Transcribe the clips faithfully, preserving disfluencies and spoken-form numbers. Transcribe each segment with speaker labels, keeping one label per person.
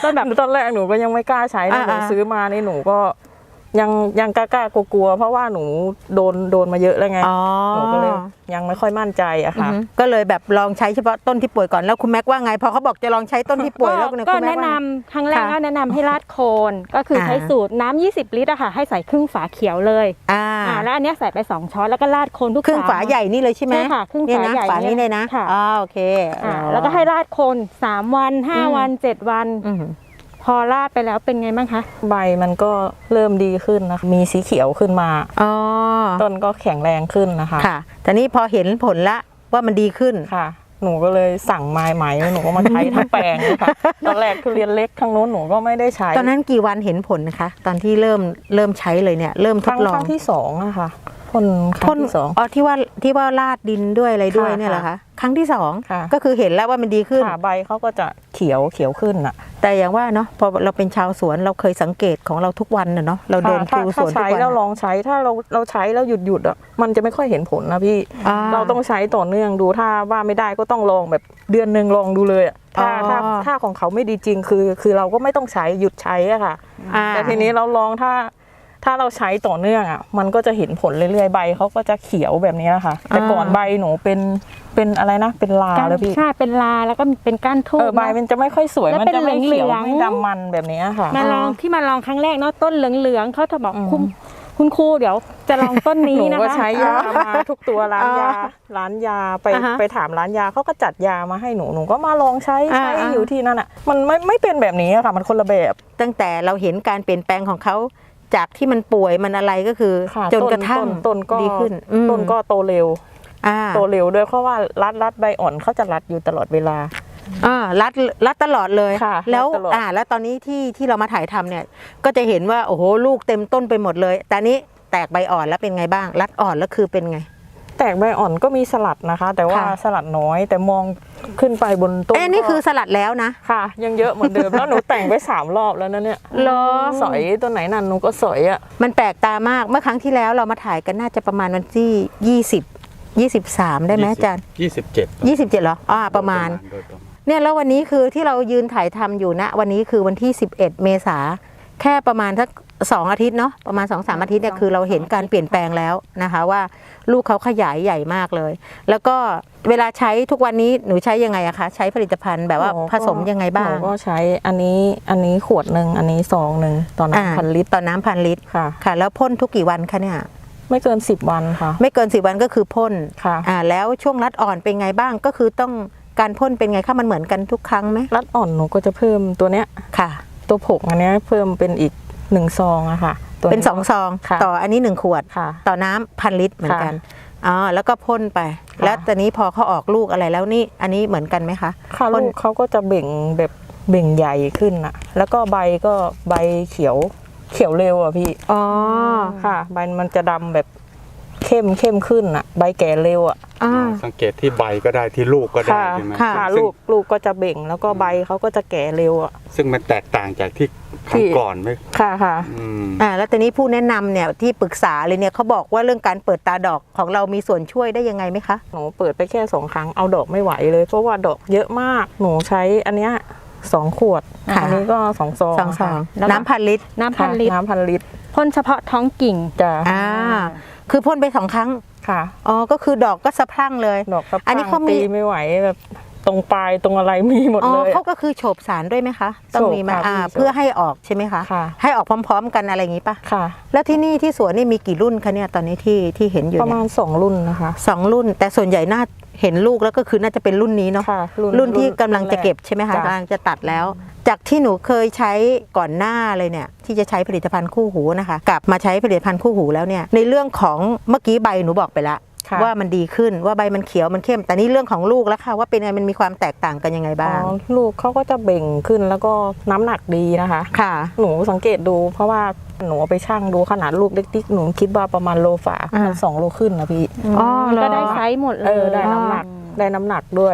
Speaker 1: ตอนแบบตอนแรกหนูก็ยังไม่กล้าใช้นะหนูซื้อมานี่หนูก็ยังยังกล้ากลัวๆเพราะว่าหนูโดนโดนมาเยอะแล้วไงหนูก็เลยยังไม่ค่อยมั่นใจอะค่ะ
Speaker 2: ก็เลยแบบลองใช้เฉพาะต้นที่ป่วยก่อนแล้วคุณแม็กว่าไงพอเขาบอกจะลองใช้ต้นที่ป่วยแล้ว
Speaker 1: ก็แนะนำครั้งแรกก็แนะนำให้ราดโคนก็คือใช้สูตรน้ำยี่สิบลิตรอะค่ะให้ใส่ครึ่งฝาเขียวเลยอ่าแล้วอันนี้ใส่ไปสองช้อนแล้วก็ราดโคนทุก
Speaker 2: ครึ่งฝาใหญ่นี่เลยใช่ไหม
Speaker 1: ใช่ค่ะครึ่งฝาใหญ่
Speaker 2: ฝานี้เลยนะอ๋อโอเค
Speaker 1: แล้วก็ให้ราดโคนสามวันห้าวันเจ็ดวันพอราดไปแล้วเป็นไงบ้างคะใบมันก็เริ่มดีขึ้นนะคะมีสีเขียวขึ้นมาอ๋อต้นก็แข็งแรงขึ้นนะคะ
Speaker 2: ค่ะแต่นี้พอเห็นผลละว่ามันดีขึ้น
Speaker 1: ค่ะหนูก็เลยสั่งไม้ไหมหนูก็มาใช้ทั้งแปลงเลยค่ะตอนแรกทุเรียนเล็กทั้งโน้นหนูก็ไม่ได้ใช้
Speaker 2: ตอนนั้นกี่วันเห็นผลนะคะตอนที่เริ่มเริ่มใช้เลยเนี่ยเริ่มทดลอง
Speaker 1: ครั้งที่สองอะค่ะพ่นครั้งที่สอง
Speaker 2: อ๋อที่ว่าที่ว่าราดดินด้วยอะไรด้วยเนี่ยเหรอคะครั้งที่สองก็คือเห็นแล้วว่ามันดีขึ้น
Speaker 1: ใบเขาก็จะเขียวเขียวขึ้นอะ
Speaker 2: แต่อย่างว่าเนาะพอเราเป็นชาวสวนเราเคยสังเกตของเราทุกวันเนาะเราเดินดูสวนทุกวัน
Speaker 1: เราลองใช้ถ้าเราเราใช้แล้วหยุดหยุดอ่ะมันจะไม่ค่อยเห็นผลนะพี่เราต้องใช้ต่อเนื่องดูถ้าว่าไม่ได้ก็ต้องลองแบบเดือนหนึ่งลองดูเลยถ้าถ้าถ้าของเขาไม่ดีจริงคือคือเราก็ไม่ต้องใช้หยุดใช้อะค่ะแต่ทีนี้เราลองถ้าถ้าเราใช้ต่อเนื่องอ่ะมันก็จะเห็นผลเรื่อยๆใบเขาก็จะเขียวแบบนี้แหละค่ะแต่ก่อนใบหนูเป็นเป็นอะไรนะเป็นลาแล้วพี่
Speaker 3: ใช่เป็นลาแล้วก็เป็นก้านทูบ
Speaker 1: ใบมันจะไม่ค่อยสวยมันจะไม่เขียวไม่ดำมันแบบนี้ค่ะ
Speaker 3: มาลองที่มาลองครั้งแรกเนาะต้นเหลืองๆเขาจะบอกคุณคุณครูเดี๋ยวจะลองต้นนี้นะคะ
Speaker 1: หนูก็ใช้ยามาทุกตัวร้านยาร้านยาไปไปถามร้านยาเขาก็จัดยามาให้หนูหนูก็มาลองใช้ใช้อยู่ที่นั่นอ่ะมันไม่ไม่เป็นแบบนี้ค่ะมันคนละแบบ
Speaker 2: ตั้งแต่เราเห็นการเปลี่ยนแปลงของเขาจากที่มันป่วยมันอะไรก็คือจนกระทั่ง
Speaker 1: ต้นก็
Speaker 2: ดีขึ้น
Speaker 1: ต้นก็โตเร็วโตเร็วด้วยเพราะว่ารัดรัดใบอ่อนเขาจะรัดอยู่ตลอดเวลา
Speaker 2: อ่ารัดรัดตลอดเลยแล้วอ่าแล้วตอนนี้ที่ที่เรามาถ่ายทำเนี่ยก็จะเห็นว่าโอ้โหลูกเต็มต้นไปหมดเลยแต่นี้แตกใบอ่อนแล้วเป็นไงบ้างรัดอ่อนแล้วคือเป็นไง
Speaker 1: แตกใบอ่อนก็มีสลัดนะคะแต่ว่าสลัดน้อยแต่มองขึ้นไปบนต้น
Speaker 2: เอ้นี่คือสลัดแล้วนะ
Speaker 1: ค่ะยังเยอะเหมือนเดิมแล้วหนูแต่งไปสามรอบแล้วนะเนี่ย
Speaker 2: เหรอ
Speaker 1: สอยตัวไหนนั่นหนูก็สอยอ่ะ
Speaker 2: มันแปลกตามากเมื่อครั้งที่แล้วเรามาถ่ายกันน่าจะประมาณวันที่ยี่สิบ ยี่สิบสามได้ไหมอาจารย์
Speaker 4: ยี่สิบเจ็ด
Speaker 2: ยี่สิบเจ็ดเหรออ่าประมาณเนี่ยแล้ววันนี้คือที่เรายืนถ่ายทำอยู่นะวันนี้คือวันที่สิบเอ็ดเมษาแค่ประมาณสักสองอาทิตย์เนาะประมาณ สองสาม อาทิตย์เนี่ยคือเราเห็นการเปลี่ยนแปลงแล้วนะคะว่าลูกเขาขยายใหญ่มากเลยแล้วก็เวลาใช้ทุกวันนี้หนูใช้ยังไงอะคะใช้ผลิตภัณฑ์แบบว่าผสมยังไงบ้าง
Speaker 1: หนูก็ใช้อันนี้อันนี้ขวดหนึ่งอันนี้ซองหนึ่งต่อน้ำพันลิตร
Speaker 2: ต่อน้ำพันลิตรค่ะค่ะแล้วพ่นทุกกี่วันคะเนี่ย
Speaker 1: ไม่เกินสิบวันค่ะ
Speaker 2: ไม่เกินสิบวันก็คือพ่น
Speaker 1: ค่ะ
Speaker 2: อ่าแล้วช่วงรัดอ่อนเป็นไงบ้างก็คือต้องการพ่นเป็นไงคะมันเหมือนกันทุกครั้งไหม
Speaker 1: รัดอ่อนหนูก็จะเพิ่มตัวเนี้ย
Speaker 2: ค่ะ
Speaker 1: ตัวผงอันนี้เพิ่มเป็นอีกหนึ่งซองอะค่ะ
Speaker 2: เป็นสองซองต่ออันนี้หนึ่งขวดต่อน้ำพันลิตรเหมือนกันอ๋อแล้วก็พ่นไปแล้วตอนนี้พอเขาออกลูกอะไรแล้วนี่อันนี้เหมือนกันไหมคะ
Speaker 1: ค่ะลูกเขาก็จะเบ่งแบบเบ่งใหญ่ขึ้นอะแล้วก็ใบก็ใบเขียวเขียวเร็วอะพี่
Speaker 2: อ๋อ
Speaker 1: ค่ะใบมันจะดำแบบเข้มเข้มขึ้นอะใบแก่เร็วอะ
Speaker 4: สังเกตที่ใบก็ได้ที่ลูกก็ได้ใช่ไหม
Speaker 1: ค่ะลูกลูกก็จะเบ่งแล้วก็ใบเขาก็จะแก่เร็วอะ
Speaker 4: ซึ่งมันแตกต่างจากที่ครั้งก่อนไหม
Speaker 1: ค่ะค่ะ
Speaker 2: อ่าแล้วตอนนี้ผู้แนะนำเนี่ยที่ปรึกษาเลยเนี่ยเขาบอกว่าเรื่องการเปิดตาดอกของเรามีส่วนช่วยได้ยังไงไหมคะ
Speaker 1: หนูเปิดไปแค่สองครั้งเอาดอกไม่ไหวเลยเพราะว่าดอกเยอะมากหนูใช้อันเนี้ยสองขวดอันนี้ก็สองซอง
Speaker 2: สองซองน้ำพันลิตร
Speaker 3: น้ำพันลิตร
Speaker 1: น้ำพันลิตร
Speaker 3: พ่นเฉพาะท้องกิ่ง
Speaker 1: จ้ะ
Speaker 2: อ่าคือพ่นไปสองครั้ง
Speaker 1: ค่ะ
Speaker 2: อ๋อก็คือดอกก็สะพรั่งเลย
Speaker 1: ดอกสะพรั่งอันนี้เขาตีไม่ไหวแบบตรงปลายตรงอะไรมีหมดเลย
Speaker 2: เขาก็คือโฉบสารด้วยไหมคะต้องมีมาอ่าเพื่อให้ออกใช่ไหมคะให้ออกพร้อมๆกันอะไรอย่างนี้ป่ะ
Speaker 1: ค่ะ
Speaker 2: แล้วที่นี่ที่สวนนี่มีกี่รุ่นคะเนี่ยตอนนี้ที่ที่เห็นอยู่
Speaker 1: ประมาณสองรุ่นนะคะ
Speaker 2: สองรุ่นแต่ส่วนใหญ่น่าเห็นลูกแล้วก็คือน่าจะเป็นรุ่นนี้เนาะรุ่นที่กำลังจะเก็บใช่ไหมคะกำลังจะตัดแล้วจากที่หนูเคยใช้ก่อนหน้าเลยเนี่ยที่จะใช้ผลิตภัณฑ์คู่หูนะคะกลับมาใช้ผลิตภัณฑ์คู่หูแล้วเนี่ยในเรื่องของเมื่อกี้ใบหนูบอกไปละว่ามันดีขึ้นว่าใบมันเขียวมันเข้มแต่นี่เรื่องของลูกแล้วค่ะว่าเป็นไงมันมีความแตกต่างกันยังไงบ้าง
Speaker 1: ลูกเขาก็จะเบ่งขึ้นแล้วก็น้ำหนักดีนะคะ
Speaker 2: ค่ะ
Speaker 1: หนูสังเกตดูเพราะว่าหนูไปชั่งดูขนาดลูกเล็กๆหนูคิดว่าประมาณโลฝ่ามันสองโลขึ้นนะพี่
Speaker 3: ก็ได้ไซส์หมดเลย
Speaker 1: ได้น้ำหนักได้น้ำหนักด้วย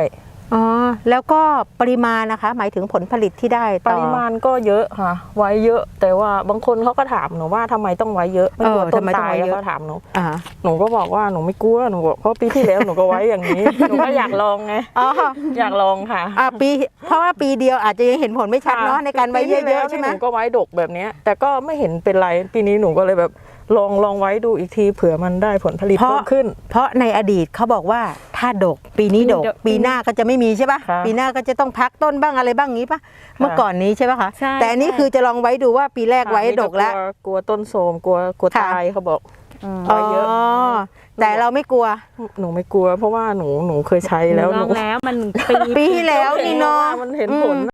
Speaker 2: อ๋อแล้วก็ปริมาณนะคะ หมายถึงผลผลิตที่ได้
Speaker 1: ป
Speaker 2: ต่อ
Speaker 1: ริมาณก็เยอะค่ะ ไว้เยอะ แต่ว่าบางคนเขาก็ถามหนูว่าทำไมต้องไว้เยอะไม่กลัว
Speaker 2: เออ
Speaker 1: ต้
Speaker 2: ทำ
Speaker 1: น
Speaker 2: ไมต้อง
Speaker 1: ตาย
Speaker 2: ไว้เยอะ
Speaker 1: เขาถามหนู
Speaker 2: อ่า
Speaker 1: หนูก็บอกว่าหนูไม่กลัวหนูบอกเพราะปีที่แล้วหนูก็ไว้อย่างนี้ หนูก็อยากลองไง
Speaker 2: อ๋อ
Speaker 1: อยากลองค่ะ
Speaker 2: อ่าปีเพราะว่าปีเดียวอาจจะยังเห็นผลไม่ชัดเนาะในการไว้เย
Speaker 1: ปีที่
Speaker 2: อะ
Speaker 1: แล้ว
Speaker 2: ๆใช่ไหม
Speaker 1: หนูก็ไว้ดกแบบเนี้ยแต่ก็ไม่เห็นเป็นไรปีนี้หนูก็เลยแบบลองลองไว้ดูอีกทีเผื่อมันได้ผลผลิต
Speaker 2: เพราะ
Speaker 1: เพิ่มขึ้น
Speaker 2: เพราะในอดีตเขาบอกว่าถ้าดกปีนี้ดก
Speaker 3: ปีนี้ดก
Speaker 2: ปีหน้าก็จะไม่มีใช่ปะ
Speaker 1: ค่ะ
Speaker 2: ปีหน้าก็จะต้องพักต้นบ้างอะไรบ้างงี้ปะเมื่อก่อนนี้ใช่ปะคะ
Speaker 3: ใช่
Speaker 2: แต่อันนี้คือจะลองไว้ดูว่าปีแรกไว้ดกแล้ว
Speaker 1: กลัวกลัวต้นโทรมกลัวกลัว
Speaker 2: ค่ะ
Speaker 1: ตายเขาบอก
Speaker 3: อืม
Speaker 1: ไว้เยอะ
Speaker 2: แต่เราไม่กลัว
Speaker 1: หนูไม่กลัว เพราะว่าหนูหนูเคยใช้แล้ว
Speaker 3: ล
Speaker 1: หนู
Speaker 3: องแล้วมันปี
Speaker 2: ปีที่แล้วนี่เนาะ
Speaker 1: มันเห็นผล